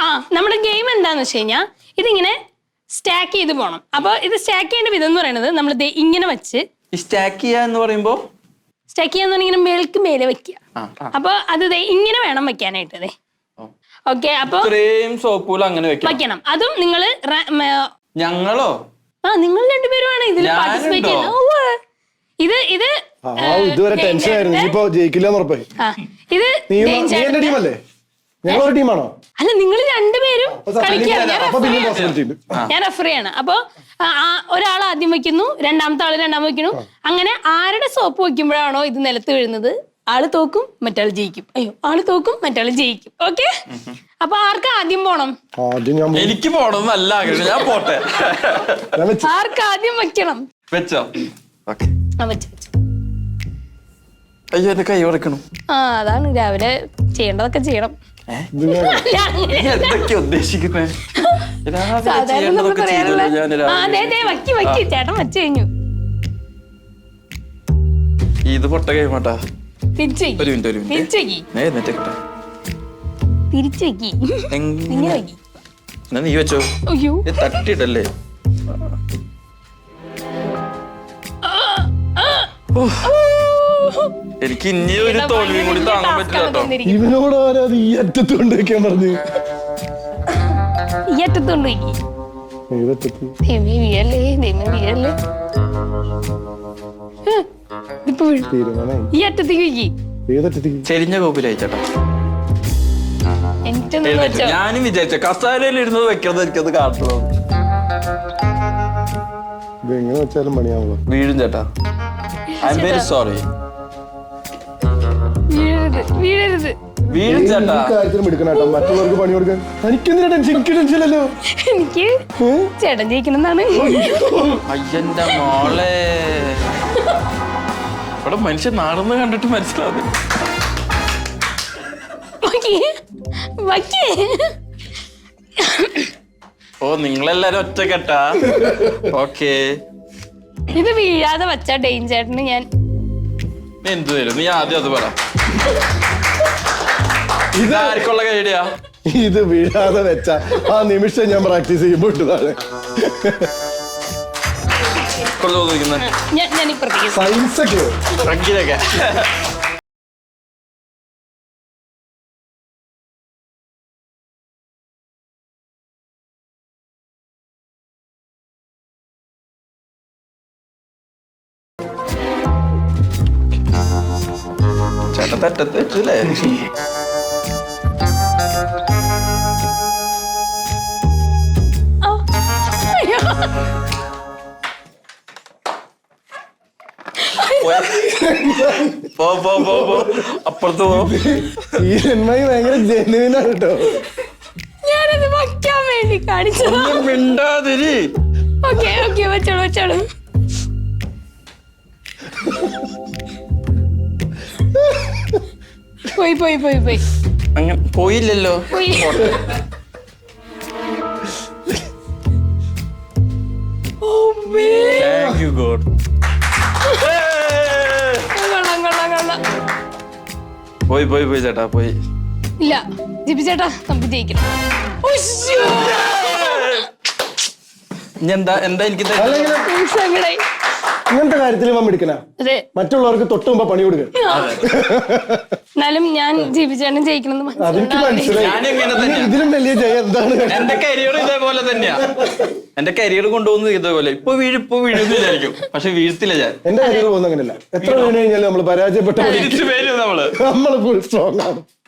നമ്മുടെ ഗെയിം എന്താന്ന് വെച്ച് കഴിഞ്ഞാൽ ഇതിങ്ങനെ സ്റ്റാക്ക് ചെയ്ത് പോണം. അപ്പൊ ഇത് സ്റ്റാക്ക് ചെയ്യേണ്ട വിധം എന്ന് പറയുന്നത് നമ്മൾ ഇങ്ങനെ വെച്ച് സ്റ്റാക്ക് ചെയ്യാ എന്ന് പറയുമ്പോ സ്റ്റാക്ക് ചെയ്യാന്ന് പറഞ്ഞാൽ മേൽക്ക് മേലെ വെക്കുക. അപ്പൊ അത് ഇങ്ങനെ വേണം വെക്കാനായിട്ട്. ഓക്കെ, അപ്പൊ സോപ്പൂല അങ്ങനെ വെക്കണം. അതും നിങ്ങള് ഞങ്ങളോ നിങ്ങൾ രണ്ടുപേരുമാണ് ഇതിൽ പാർട്ടിസിപ്പേറ്റ് ചെയ്യുന്നത്. ഇതുവരെ ടെൻഷൻ ആയിരുന്നു. ഇനിയിപ്പോ ജയിക്കില്ലെന്ന് ഉറപ്പായി. ഞങ്ങളൊരു ടീമാണോ? അല്ല, നിങ്ങൾ രണ്ടുപേരും കളിക്കുകയാണ്. ഞാൻ റെഫറിയാണ്. അപ്പൊ ഒരാൾ ആദ്യം വെക്കുന്നു, രണ്ടാമത്തെ ആള് രണ്ടാമത് വെക്കുന്നു. അങ്ങനെ ആരുടെ സോപ്പ് വെക്കുമ്പോഴാണോ ഇത് നിലത്ത് വീഴുന്നത് ആള് തോക്കും, മറ്റാൾ ജയിക്കും. ആള് തോക്കും, മറ്റാൾ ജയിക്കും. ഓക്കെ, അപ്പൊ ആർക്ക് ആദ്യം പോണം? എനിക്ക് പോണം നല്ല ആഗ്രഹം. ഞാൻ പോട്ടെ. ആർക്ക് ആദ്യം വെക്കണം? വെച്ചോ? വെച്ചു. അയ്യോ, എന്റെ കൈ ഉടക്കണം. അതാണ് രാവിലെ ചെയ്യേണ്ടതൊക്കെ ചെയ്യണം. എന്തൊക്കെ ഉദ്ദേശിക്കുന്നേ? സാധാരണ നമ്മൾ പറയാറുള്ള ചേട്ടൻ വെച്ച് കഴിഞ്ഞു. ഇത് പൊട്ട കഴിയുമാട്ടാ. തിരിച്ചു നീ വെച്ചോ. തട്ടിട്ടല്ലേ? എനിക്ക് ഇനി ഒരു തോൽവിയും കൂടി താങ്ങാൻ പറ്റില്ല കേട്ടോ. ഇവനോട് ആരാത് ഈ അറ്റത്ത് കൊണ്ടുവയ്ക്കാൻ പറഞ്ഞു? ഈ അറ്റത്ത് കൊണ്ടുപോയി. ഈ അറ്റത്തേക്ക് ചെരിഞ്ഞ കോപ്പിലായി ചേട്ടാ. ഞാനും വിചാരിച്ച കസാരയിൽ ഇരുന്നത് വെക്കുന്നത് എനിക്കത് കാട്ടുള്ളൂ. എങ്ങനെ വെച്ചാലും പണിയാവുക. വീഴും ചേട്ടാ. I am very sorry. വീഴും ചേട്ടാ. കാര്യത്തിലും എടുക്കണം. മറ്റുള്ളവർക്ക് പണി കൊടുക്കാൻ എനിക്കെന്തിനാ ടെൻഷൻ? എനിക്ക് ടെൻഷനല്ലോ. എനിക്ക് ചേട്ടൻ ജയിക്കണമെന്നാണ്. അയ്യന്റെ മോളെ, ഇവിടെ മനുഷ്യൻ നാടെന്ന് കണ്ടിട്ട് മനസ്സിലാവും. ഓ, നിങ്ങളെല്ലാരും ഒറ്റക്കെട്ടാ? ഓക്കെ. ഇത് വീഴാതെ വച്ച ഡേഞ്ചേട്ടന് ഞാൻ എന്ത് വരും? നീ ആദ്യം അത് പറ. ഇതാർക്കുള്ള കൈഡിയാ? ഇത് വീഴാതെ വെച്ച ആ നിമിഷം ഞാൻ പ്രാക്ടീസ് ചെയ്യുമ്പോഴാണ് സയൻസ് ഒക്കെ. ചേട്ടൻ തെറ്റത്ത് വെച്ചല്ലേ? അപ്പുറത്ത് പോ. ഈ ജന്മായി ഭയങ്കര ജെനുവിനാണ് കേട്ടോ. ഞാനത് വയ്ക്കാൻ വേണ്ടി കാണിച്ചത്. മിണ്ടാതിരി. ഓക്കെ ഓക്കെ, വെച്ചോളൂ വെച്ചോളൂ. പോയി പോയി പോയി പോയി. അങ്ങനെ പോയില്ലല്ലോ. Thank you God. പോയി പോയി പോയി ചേട്ടാ, പോയി. ഇല്ല ജിബി ചേട്ടാ, നമുക്ക് ജയിക്കണം. എന്താ എന്താ എനിക്ക് ഇങ്ങനത്തെ കാര്യത്തിൽ എടുക്കണ മറ്റുള്ളവർക്ക് തൊട്ട് മുമ്പ് പണി കൊടുക്കുക. എന്നാലും ഞാൻ ജിബി ചേട്ടൻ ജയിക്കണം. ഇതിലും വലിയ ജയം എന്താണ്? എന്റെ കരിയർ ഇതേപോലെ തന്നെയാ. എന്റെ കരിയർ കൊണ്ടുപോകുന്നത് ഇതേപോലെ. ഇപ്പൊ വീഴുന്നു വിചാരിക്കും, പക്ഷെ വീഴ്ത്തില്ല ഞാൻ. എന്റെ കരിയർ പോകുന്ന അങ്ങനെയല്ല. എത്ര വീണ് കഴിഞ്ഞാലും നമ്മൾ പരാജയപ്പെട്ട തിരിച്ചു വരും. നമ്മള് ഫുൾ സ്ട്രോങ് ആണ്.